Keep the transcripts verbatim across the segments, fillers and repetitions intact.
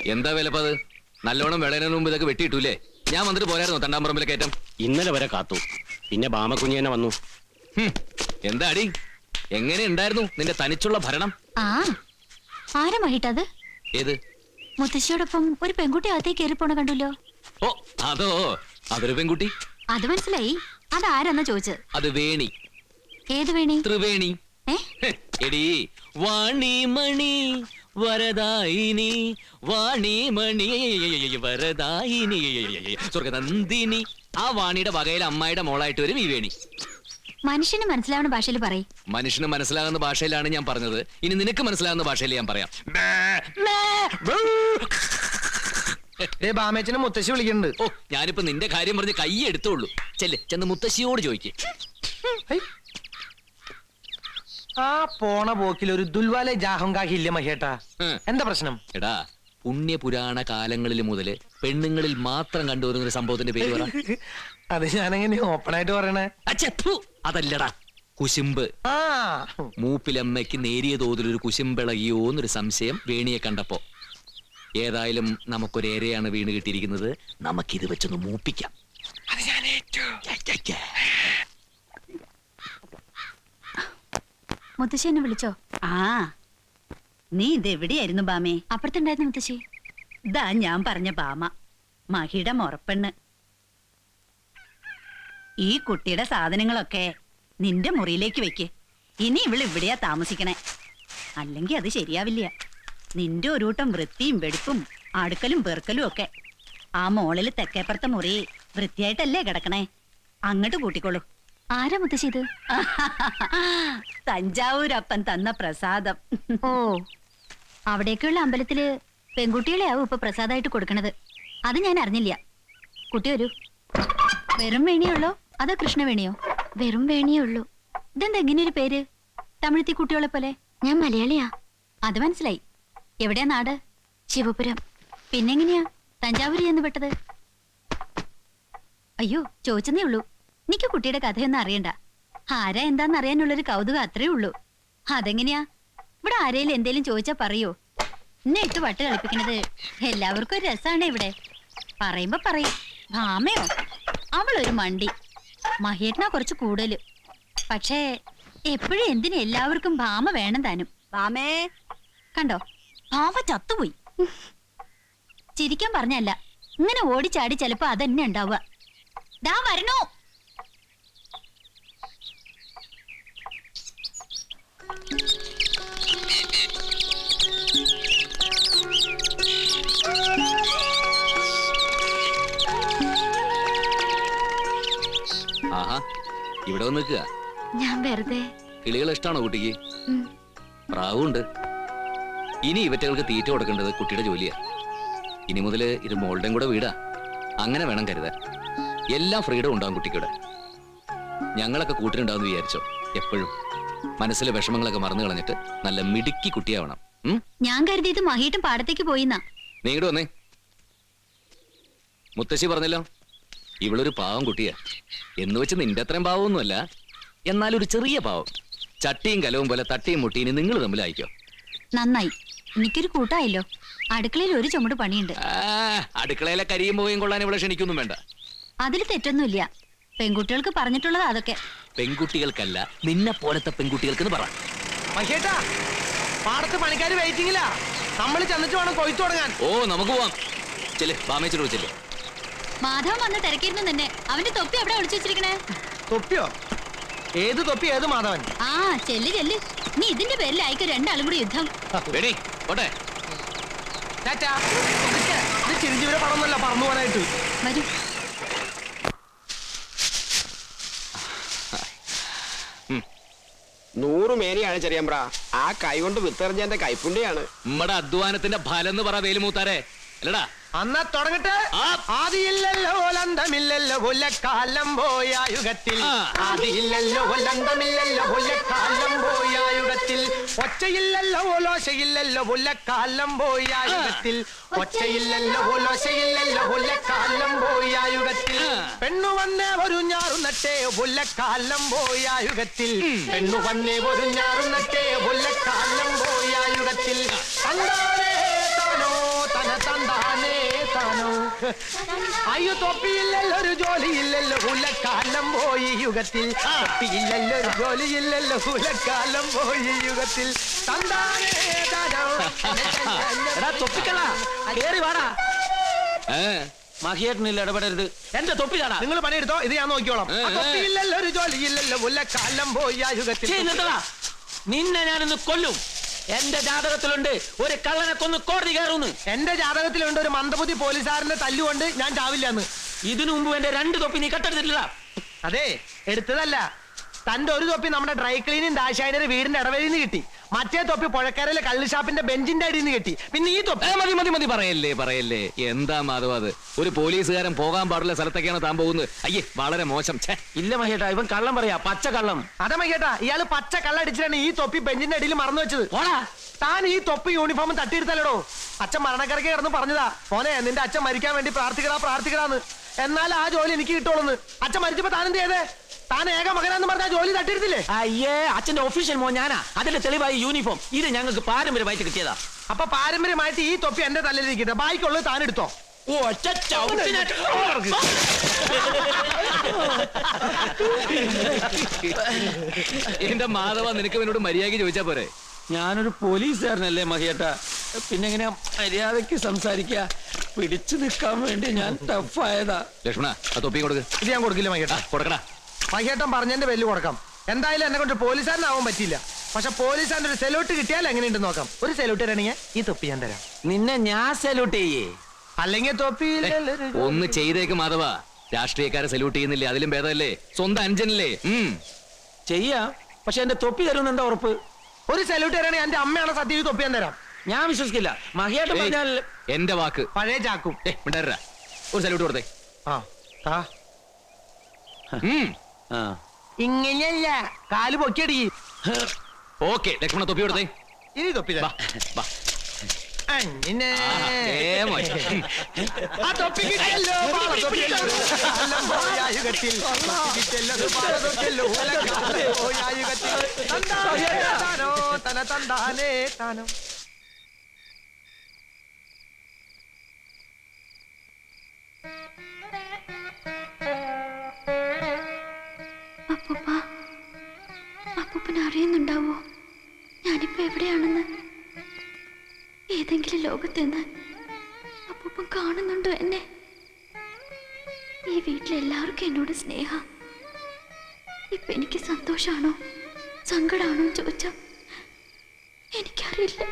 എന്താ വിലപ്പത്? നല്ലോണം വിളയുന്നതിന് മുമ്പ് ഇതൊക്കെ വെട്ടിയിട്ടൂലേ? ഞാൻ വന്നിട്ട് പോരായിരുന്നു തണ്ടാമ്പറമ്പിലെ കയറ്റം. ഇന്നലെ വരെ കാത്തു, പിന്നെ ബാമക്കുഞ്ഞി തന്നെ വന്നു. എന്താടി, എങ്ങനെ ഉണ്ടായിരുന്നു നിന്റെ തനിച്ചുള്ള ഭരണം? ആ ആരാ മഹിട്ടത്? ഏത്? മുത്തശ്ശിയോടൊപ്പം ഒരു പെൺകുട്ടി അകത്തേക്ക് കയറി പോണ കണ്ടല്ലോ. ഓ അതോ, അതൊരു പെൺകുട്ടി. അത് മനസ്സിലായി. അതാരെന്നാ ചോദിച്ചത്? അത് വേണി. ഏത് വേണി? ത്രിവേണി. എടി വാണിമണി വരദായിനി, വാണിമണി വരദായിനി സ്വർഗനന്ദിനി. ആ വാണിയുടെ വകയിൽ അമ്മായിയുടെ മോളായിട്ട് വരും ഈ വേണി. മനുഷ്യന് മനസ്സിലാവുന്ന ഭാഷയിൽ പറയും. മനുഷ്യന് മനസ്സിലാകുന്ന ഭാഷയിലാണ് ഞാൻ പറഞ്ഞത്. ഇനി നിനക്ക് മനസ്സിലാകുന്ന ഭാഷയിൽ ഞാൻ പറയാം. ബാമേച്ചനെ മുത്തശ്ശി വിളിക്കുന്നുണ്ട്. ഓ, ഞാനിപ്പോ നിന്റെ കാര്യം പറഞ്ഞ് കൈ എടുത്തോളൂ. ചെല്ല്, ചെന്ന് മുത്തശ്ശിയോട് ചോദിക്കേ. ആ പോണ പോക്കിൽ ഒരു ദുൽവാലെ ജാഹങ്കാഹില്ല മഹേട്ടാ. എന്താ പ്രശ്നം? എടാ, പുണ്യപുരാണ കാലങ്ങളിൽ മുതല് പെണ്ണുങ്ങളിൽ മാത്രം കണ്ടുവരുന്ന ഒരു സംഭവത്തിന്റെ പേര് പറ. അത് ഞാനെങ്ങനെ ഓപ്പൺ ആയിട്ട് പറയണേ? അതല്ലടാ, കുശുമ്പ്. ആ മൂപ്പിലമ്മയ്ക്ക് നേരിയ തോതിൽ ഒരു കുശുമ്പിളകിയോ എന്നൊരു സംശയം വേണിയെ കണ്ടപ്പോ. ഏതായാലും നമുക്കൊരേരെയാണ് വീണ് കിട്ടിയിരിക്കുന്നത്. നമുക്കിത് വെച്ചൊന്ന് മൂപ്പിക്കാം. മുത്തശ്ശി എന്നെ വിളിച്ചോ? ആ, നീ ഇതെവിടെയായിരുന്നു ബാമേ? അപ്പുറത്തുണ്ടായിരുന്നു മുത്തശ്ശി. ഇതാ ഞാൻ പറഞ്ഞ ബാമ, മഹിയുടെ മുറപ്പെണ്ണ്. ഈ കുട്ടിയുടെ സാധനങ്ങളൊക്കെ നിന്റെ മുറിയിലേക്ക് വെക്ക്. ഇനി ഇവള് ഇവിടെയാ താമസിക്കണേ, അല്ലെങ്കിൽ അത് ശരിയാവില്ല. നിന്റെ ഒരു കൂട്ടം വൃത്തിയും വെടുപ്പും അടുക്കലും പെറുക്കലും ഒക്കെ. ആ മോളിൽ തെക്കേപ്പുറത്തെ മുറി വൃത്തിയായിട്ടല്ലേ കിടക്കണേ, അങ്ങോട്ട് കൂട്ടിക്കോളൂ. ആരാ മുത്തശ്ശി ഇത്? തഞ്ചാവൂരപ്പൻ തന്ന പ്രസാദം. ഓ, അവിടേക്കുള്ള അമ്പലത്തില് പെൺകുട്ടികളെയാവും ഇപ്പൊ പ്രസാദമായിട്ട് കൊടുക്കണത്. അത് ഞാൻ അറിഞ്ഞില്ല. കുട്ടി വരൂ. വെറും വേണിയുള്ളോ അതോ കൃഷ്ണവേണിയോ? വെറും വേണിയേ ഉള്ളൂ. ഇതെന്താ ഇങ്ങനെ ഒരു പേര്? തമിഴത്തി കുട്ടികളെ പോലെ. ഞാൻ മലയാളിയാ. അത് മനസ്സിലായി. എവിടെയാ നാട്? ശിവപുരം. പിന്നെങ്ങനെയാ തഞ്ചാവൂരി എന്ന് പെട്ടത്? അയ്യോ, ചോദിച്ചതേ ഉള്ളൂ. എനിക്ക് കുട്ടിയുടെ കഥയൊന്നും അറിയണ്ട. ആരാ എന്താന്ന് അറിയാനുള്ളൊരു കൗതുകം അത്രേ ഉള്ളൂ. അതെങ്ങനെയാ? ഇവിടെ ആരേലും എന്തേലും ചോദിച്ചാ പറയോ? എന്നെ ഇട്ട് വട്ട് കളിപ്പിക്കണത് എല്ലാവർക്കും ഒരു രസാണ്. ഇവിടെ പറയുമ്പോ പറയും ഭാമയോ, അവളൊരു മണ്ടി. മഹേട്ടനാ കുറച്ച് കൂടുതല്. പക്ഷേ എപ്പോഴും എന്തിനും എല്ലാവർക്കും ഭാമ വേണം താനും. ബാമേ കണ്ടോ, ഭാമ ചത്തുപോയി. ചിരിക്കാൻ പറഞ്ഞല്ല, ഇങ്ങനെ ഓടിച്ചാടി ചിലപ്പോ അതന്നെ ഉണ്ടാവുക. ദാ വരണോ. ആഹാ, ഇവിടെ വന്ന് നിൽക്കുക. ഞാൻ വെറുതെ. കിളികൾ ഇഷ്ടമാണോ കുട്ടിക്ക്? പ്രാവുണ്ട്. ഇനി ഇവറ്റകൾക്ക് തീറ്റ കൊടുക്കേണ്ടത് കുട്ടിയുടെ ജോലിയാ. ഇനി മുതല് ഇത് മോളുടെയും കൂടെ വീടാ. അങ്ങനെ വേണം കരുതാൻ. എല്ലാം ഫ്രീഡം ഉണ്ടാവും കുട്ടിക്കൂടെ. ഞങ്ങളൊക്കെ കൂട്ടിനുണ്ടാവും വിചാരിച്ചോ. എപ്പോഴും മനസ്സിലെ വിഷമങ്ങളൊക്കെ മറന്നു കളഞ്ഞിട്ട് നല്ല മിടുക്കി കുട്ടിയാവണം. ഞാൻ കരുതിയത് മഹീട്ടും പാടത്തേക്ക് പോയിന്നാ. നീ ഇങ്ങോട്ട് വന്നേ. മുത്തശ്ശി പറഞ്ഞല്ലോ, ഇവളൊരു പാവം കുട്ടിയാ. എന്ന് വെച്ച് നിന്റെ അത്രയും പാവമൊന്നുമല്ല, എന്നാലൊരു ചെറിയ പാവം. ചട്ടിയും കലവും പോലെ തട്ടിയും മുട്ടിയും നിങ്ങൾ തമ്മിലായിക്കോ. നന്നായി, എനിക്കൊരു കൂട്ടായല്ലോ. അടുക്കളയിൽ ഒരു ചുമട് പണിയുണ്ട്. അടുക്കളയിലെ കരിയും പോയും കൊള്ളാൻ ഇവിടെ ക്ഷണിക്കൊന്നും വേണ്ട. അതിൽ തെറ്റൊന്നുമില്ല. പെൺകുട്ടികൾക്ക് പറഞ്ഞിട്ടുള്ളത് അതൊക്കെ. പെൺകുട്ടികൾക്കല്ല, നിന്നെ പോലത്തെ പെൺകുട്ടികൾക്ക് പറ. മഹേട്ടാ, പാടത്ത് പണിക്കാര് വെയിറ്റിംഗിലാ. നമ്മൾ ചെന്നിട്ട് വേണം കൊയ്ത്തു തുടങ്ങാൻ. ഓ, നമുക്ക് പോവാം. ചെല്ലേ, ബാമേച്ചോട് വിളിച്ചല്ലേ. മാധവൻ വന്ന് തിരക്കിയിരുന്നു നിന്നെ. അവന്റെ തൊപ്പി എവിടെ ഒളിച്ചു വെച്ചിരിക്കണേ? തൊപ്പിയോ? ഏത് തൊപ്പി? ഏത് മാധവൻ? ആ, ചെല്ല് ചെല്ല്. നീ ഇതിന്റെ പേരിലായിക്കോ രണ്ടാളും കൂടി യുദ്ധം. ചിരിഞ്ചിവരെ പടമൊന്നുമല്ല പറന്നു പോകാനായിട്ട്. വരൂ. നൂറ് മേനിയാണ് ചെറിയമ്പ്ര. ആ കൈ കൊണ്ട് വിത്തെറിഞ്ഞെന്റെ കൈപ്പുണ്യാണ്. നമ്മടെ അധ്വാനത്തിന്റെ ഫലം എന്ന് പറ വേലുമൂത്താരെ. അല്ലടാ, അന്നാ തുടങ്ങട്ടെ. ആദിയില്ലല്ലോ ലന്തമില്ലല്ലോ കൊല്ലക്കാലം പോയ യുഗത്തിൽ. ആദിയില്ലല്ലോ ലന്തമില്ലല്ലോ കൊല്ലക്കാലം പോയ യുഗത്തിൽ. ഒച്ചയില്ലല്ലോ ഓലോശയില്ലല്ലോ കൊല്ലക്കാലം പോയ യുഗത്തിൽ. ഒച്ചയില്ലല്ലോ ഓലോശയില്ലല്ലോ കൊല്ലക്കാലം പോയ യുഗത്തിൽ. പെണ്ണു വന്നേ ഒരു ഞാറുന്നട്ടേ കൊല്ലക്കാലം പോയ യുഗത്തിൽ. പെണ്ണു വന്നേ ഒരു ഞാറുന്നട്ടേ കൊല്ലക്കാലം പോയ യുഗത്തിൽ. തന്താനേ താനോ തന തന്ത താനോ. അയ്യോ തൊപ്പിയില്ലല്ലോ ഒരു ജോലിയില്ലല്ലോ ഉലക്കാലം പോയി യുഗത്തിൽ. തൊപ്പിയില്ലല്ലോ ഒരു ജോലിയില്ലല്ലോ ഉലക്കാലം പോയി യുഗത്തിൽ. തന്താനേ താനോ. എടാ തൊപ്പിക്കള്ള കേറി വാടാ. ഏ മഹിയേട്ടനില്ല ഇടപെടരുത്. എന്റെ തൊപ്പിതാടാ. നിങ്ങൾ പണിയെടുത്തോ, ഇത് ഞാൻ നോക്കിക്കോളാം. ഏ, ഏ. തൊപ്പിയില്ലല്ലോ ഒരു ജോലിയില്ലല്ലോ ഉലക്കാലം പോയി ആ യുഗത്തിൽ. ഛീ, നിർത്തടാ. നിന്നെ ഞാനിന്ന് കൊല്ലും. എന്റെ ജാതകത്തിലുണ്ട് ഒരു കള്ളനെ കൊന്ന് കോടതി കയറുന്നു. എന്റെ ജാതകത്തിലുണ്ട് ഒരു മന്ദബുദ്ധി പോലീസുകാരന്റെ തല്ലുകൊണ്ട് ഞാൻ ചാവില്ലെന്ന്. ഇതിനു മുമ്പ് എന്റെ രണ്ട് തൊപ്പി നീ കട്ടെടുത്തിട്ടില്ല. അതെ, എടുത്തതല്ല. തന്റെ ഒരു തൊപ്പി നമ്മുടെ ഡ്രൈ ക്ലീനിങ് ദാശായനയുടെ വീടിന്റെ ഇടവഴിയിൽ നിന്ന് കിട്ടി. മറ്റേ തൊപ്പി പുഴക്കരയിലെ കള്ളുഷാപ്പിന്റെ ബെഞ്ചിന്റെ അടിയിൽ നിന്ന് കിട്ടി. പിന്നെ ഈ തൊപ്പി ഏ, മതി മതി മതി പറയല്ലേ പറയല്ലേ. എന്താ മാധവ അത്? ഒരു പോലീസുകാരൻ പോകാൻ പാടുള്ള സ്ഥലത്തൊക്കെയാണ് താൻ പോകുന്നത്. അയ്യേ വളരെ മോശം. ഛേ. ഇല്ല മഹിയേട്ടാ, ഇവൻ കള്ളം പറയാ, പച്ച കള്ളം. അതെ മയ്യേട്ടാ, ഇയാള് പച്ച കള്ളടിച്ചിട്ടാണ് ഈ തൊപ്പി ബെഞ്ചിന്റെ അടിയിൽ മറന്നു വെച്ചത്. ഓടാ. താൻ ഈ തൊപ്പി യൂണിഫോം തട്ടിയെടുത്തല്ലോ. അച്ഛൻ മരണക്കരക്ക് കിടന്ന് പറഞ്ഞതാ, മോനെ നിന്റെ അച്ഛൻ മരിക്കാൻ വേണ്ടി പ്രാർത്ഥിക്കടാ പ്രാർത്ഥിക്കടാന്ന്. എന്നാൽ ആ ജോലി എനിക്ക് കിട്ടുള്ളൂ. അച്ഛൻ മരിച്ചപ്പോ താൻ എന്ത് ചെയ്തേ? താൻ ഏക മകനാന്ന് പറഞ്ഞ ആ ജോലി തട്ടിയെടുത്തില്ലേ? അയ്യേ, അച്ഛന്റെ ഒഫീഷ്യൽ മോൻ ഞാനാ. അതിന്റെ തെളിവായി യൂണിഫോം. ഇത് ഞങ്ങൾക്ക് പാരമ്പര്യമായിട്ട് കിട്ടിയതാ. അപ്പൊ പാരമ്പര്യമായിട്ട് ഈ തൊപ്പി എന്റെ തലയിലിരിക്കട്ടെ, ബാക്കിയുള്ളത് താൻ എടുത്തോ. ഓ, ഒറ്റ ചവിട്ടിനെ. എന്റെ മാധവ, നിനക്ക് എന്നോട് മര്യാദയ്ക്ക് ചോദിച്ചാ പോരെ? ഞാനൊരു പോലീസുകാരനല്ലേ മഹിയേട്ടാ, പിന്നെ എങ്ങനെ മര്യാദയ്ക്ക് സംസാരിക്കുക? പിടിച്ചു നിൽക്കാൻ വേണ്ടി ഞാൻ ടഫായതാ. ലക്ഷ്മണ ആ തൊപ്പി കൊടുക്ക്. ഇത് ഞാൻ കൊടുക്കില്ല മയ്യേട്ടാ. കൊടുക്കടാ. മയ്യേട്ടൻ പറഞ്ഞതിന്റെ പേരിൽ കൊടുക്കാം. എന്തായാലും എന്നെ കൊണ്ട് പോലീസുകാരനാവാൻ പറ്റില്ല. പക്ഷെ പോലീസുകാരൻ്റെ ഒരു സെലൂട്ട് കിട്ടിയാൽ എങ്ങനെയുണ്ടെന്ന് നോക്കാം. ഒരു സെലൂട്ട് തരണെങ്കിൽ ഈ തൊപ്പി ഞാൻ തരാം. നിന്നെ ഞാൻ സല്യൂട്ട് ചെയ്യേ. അല്ലെങ്കിൽ തൊപ്പി ഒന്ന് ചെയ്തേക്ക് മാധവ. രാഷ്ട്രീയക്കാരെ സല്യൂട്ട് ചെയ്യുന്നില്ലേ? അതിലും ഭേദമല്ലേ സ്വന്തം അഞ്ചനല്ലേ? ഉം ചെയ്യാം, പക്ഷെ എന്റെ തൊപ്പി തരുമെന്ന് എന്താ ഉറപ്പ്? ഒരു സെലൂട്ട് തരാണെങ്കിൽ എന്റെ അമ്മയാണ് സത്യം, ഈ തൊപ്പി ഞാൻ തരാം. ഞാൻ വിശ്വസിക്കില്ല. മഹിയേട്ടൻ ഏയ്, പറഞ്ഞാൽ എന്റെ വാക്ക്. പഴയ ചാക്കും. ഏ മിണ്ടാരാ, ഒരു സല്യൂട്ട് കൊടുത്തേ. ആ താ. ഉം ആ. ഇങ്ങനെയല്ല, കാല് പൊക്കിയടി. ഓക്കെ ലക്ഷ്മണ തൊപ്പി കൊടുത്തേ. ഇനി തൊപ്പി വാ, തരാം. വാ. അങ്ങനെ. ആഹാ, ഏ മോശം. ആ തൊപ്പി കിട്ടിയല്ലോ, പാള തൊപ്പിയല്ലോ. കാലം പോയ യുഗത്തിൽ. തൊപ്പി കിട്ടിയല്ലോ, പാള തൊപ്പിയല്ലോ. കാലം പോയ യുഗത്തിൽ. തന്താനേ താനോ, തന തന്താനേ താനോ. അപ്പൂപ്പ, അപ്പൂപ്പന് അറിയുന്നുണ്ടാവോ ഞാനിപ്പോ എവിടെയാണെന്ന്? ഏതെങ്കിലും ലോകത്തുനിന്ന് അപ്പൂപ്പൻ കാണുന്നുണ്ടോ എന്നെ? ഈ വീട്ടിലെല്ലാവർക്കും എന്നോട് സ്നേഹ. ഇപ്പൊ എനിക്ക് സന്തോഷാണോ സങ്കടാണോ ചോദിച്ചാ എനിക്കറിയില്ല.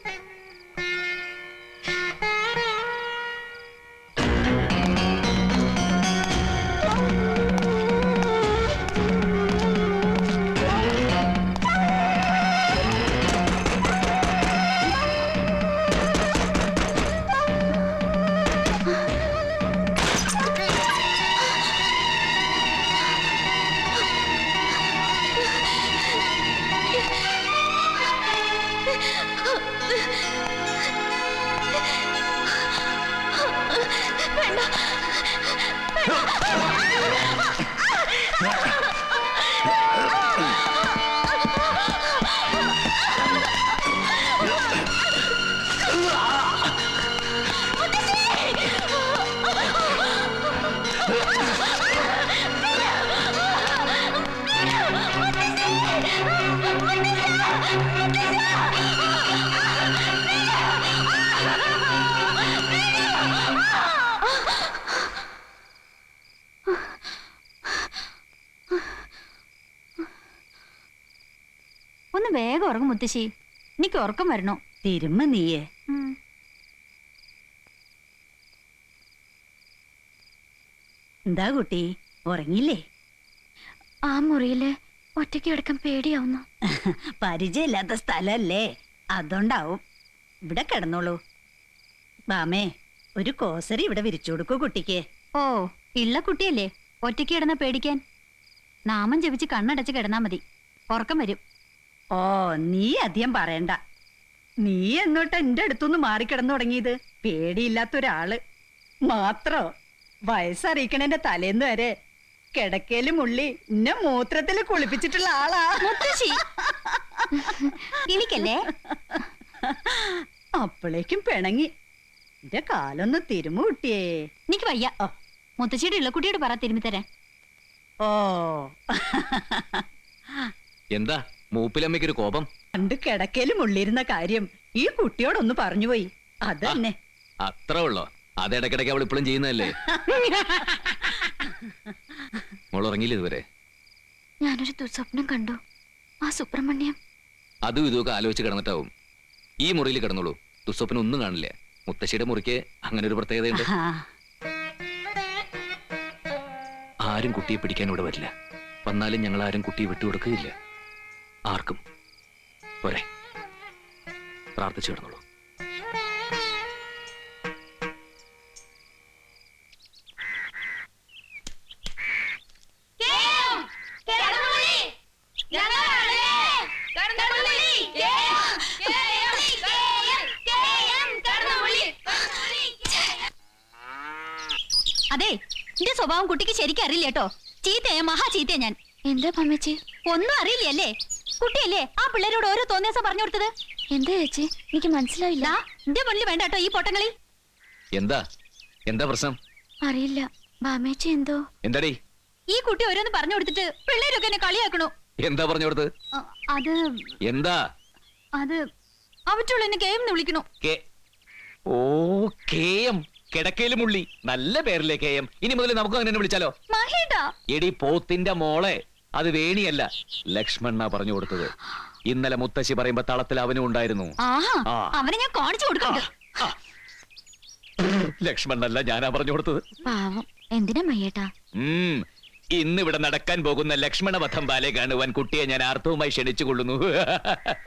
ഒന്ന് വേഗം ഉറങ്ങും മുത്തശ്ശി, എനിക്ക് ഉറക്കം വരണോ. തിരുമ്മ നീയേ. എന്താ കുട്ടി, ഉറങ്ങിയില്ലേ? ആ മുറിയില് ഒറ്റയ്ക്ക് കിടക്കാൻ പേടിയാവുന്നു. പരിചയമില്ലാത്ത സ്ഥലല്ലേ, അതുകൊണ്ടാവും. ഇവിടെ കിടന്നോളൂ. ബാമേ, ഒരു കോസരി ഇവിടെ വിരിച്ചു കൊടുക്കൂ കുട്ടിക്ക്. ഓ, ഇള്ള കുട്ടിയല്ലേ, ഒറ്റയ്ക്ക് കിടന്ന പേടിക്കാൻ. നാമം ജപിച്ച് കണ്ണടച്ച് കിടന്നാ മതി, ഉറക്കം വരും. ഓ, നീ അധികം പറയണ്ട. നീ എന്നോട്ട് എന്റെ അടുത്തുനിന്ന് മാറിക്കിടന്നു തുടങ്ങിയത്? പേടിയില്ലാത്ത ഒരാള് മാത്രോ? വയസ്സറിയിക്കണേന്റെ തലേന്ന് വരെ കിടക്കയില് മുള്ളി എന്നെ മൂത്രത്തില് കുളിപ്പിച്ചിട്ടുള്ള ആളാ മുത്തശ്ശി. എനിക്കല്ലേ? അപ്പോഴേക്കും പിണങ്ങി. എന്റെ കാലൊന്ന് തിരുമു കുട്ടിയേ. എനിക്ക് വയ്യ ഓ. മുത്തശ്ശിയുടെ ഇള്ളക്കുട്ടിയോട് പറ തിരുമ്മി തരാൻ. ഓ എന്താ മൂപ്പിലമ്മയ്ക്കൊരു കോപം? പണ്ട് കിടക്കയിലും ഉള്ളിരുന്ന കാര്യം ഈ കുട്ടിയോടൊന്ന് പറഞ്ഞുപോയി. അതന്നെ. അത്ര ഉള്ളോ? അത് ഇടയ്ക്കിടയ്ക്ക് അവൾ ഇപ്പോഴും ചെയ്യുന്നതല്ലേ? മോൾ ഉറങ്ങിയില്ല ഇതുവരെ? ഞാനൊരു ദുസ്വപ്നം കണ്ടു. ആ സുബ്രഹ്മണ്യം അതും ഇതുമൊക്കെ ആലോചിച്ച് കിടന്നിട്ടാവും. ഈ മുറിയിൽ കിടന്നോളൂ, ദുസ്വപ്നം ഒന്നും കാണില്ല. മുത്തശ്ശിയുടെ മുറിക്ക് അങ്ങനെ ഒരു പ്രത്യേകതയുണ്ട്. ആ, ആരും കുട്ടിയെ പിടിക്കാൻ ഇവിടെ വരില്ല. വന്നാലും ഞങ്ങൾ ആരും കുട്ടിയെ വിട്ടുകൊടുക്കുകയില്ല ആർക്കും. പോരെ, പ്രാർത്ഥിച്ചു കിടന്നോളൂ. അതെ, എന്റെ സ്വഭാവം കുട്ടിക്ക് ശരിക്കും അറിയില്ല കേട്ടോ. ചീത്തയാ, മഹാ ചീത്തയാ ഞാൻ. എന്താ പമ്മച്ചി? ഒന്നും അറിയില്ലല്ലേ? കുട്ടിയല്ലേ ആ പിള്ളേരോട് ഓരോ തോന്നിയാസം പറഞ്ഞു കൊടുത്തത്? എന്താ ചേച്ചി, എനിക്ക് മനസ്സിലായില്ല. എന്റെ മുന്നിൽ വേണ്ട കേട്ടോ ഈ പൊട്ടങ്ങളി. എന്താ എന്താ പ്രശ്നം? അറിയില്ല, ബാമേച്ചി എന്തോ. എന്താടി? ഈ കുട്ടി ഓരോന്ന് പറഞ്ഞു കൊടുത്തിട്ട് പിള്ളേരൊക്കെ എന്നെ കളിയാക്കണു. എന്താ പറഞ്ഞു കൊടുത്ത്? അത് എന്താ അത് അവറ്റുള്ള എന്നെ ഗെയിം എന്ന് വിളിക്കണു. കെ- ഓ കെ എം, കിടക്കയിലും ഉള്ളി. നല്ല പേരല്ലേ കെ എം. ഇനി മുതൽ നമുക്ക് അങ്ങനെ വിളിച്ചാലോ? മഹേട്ടാ, എടി പോത്തിന്റെ മോളെ, അത് വേണിയല്ല, ലക്ഷ്മണ പറഞ്ഞു കൊടുത്തത്. ഇന്നലെ മുത്തശ്ശി പറയുമ്പോ തളത്തിൽ അവനും ഉണ്ടായിരുന്നു. ആഹാ, ആ. അവനെ ഞാൻ കാണിച്ചു കൊടുക്കുന്നുണ്ട്. ലക്ഷ്മണല്ല, ഞാനാ പറഞ്ഞു കൊടുത്തത്. പാവം, എന്തിനാ മയ്യേട്ടാ? ഉം ഇന്ന് ഇവിടെ നടക്കാൻ പോകുന്ന ലക്ഷ്മണ വധം ബാലെ കാണുവാൻ കുട്ടിയെ ഞാൻ ആർത്തവുമായി ക്ഷണിച്ചു കൊള്ളുന്നു.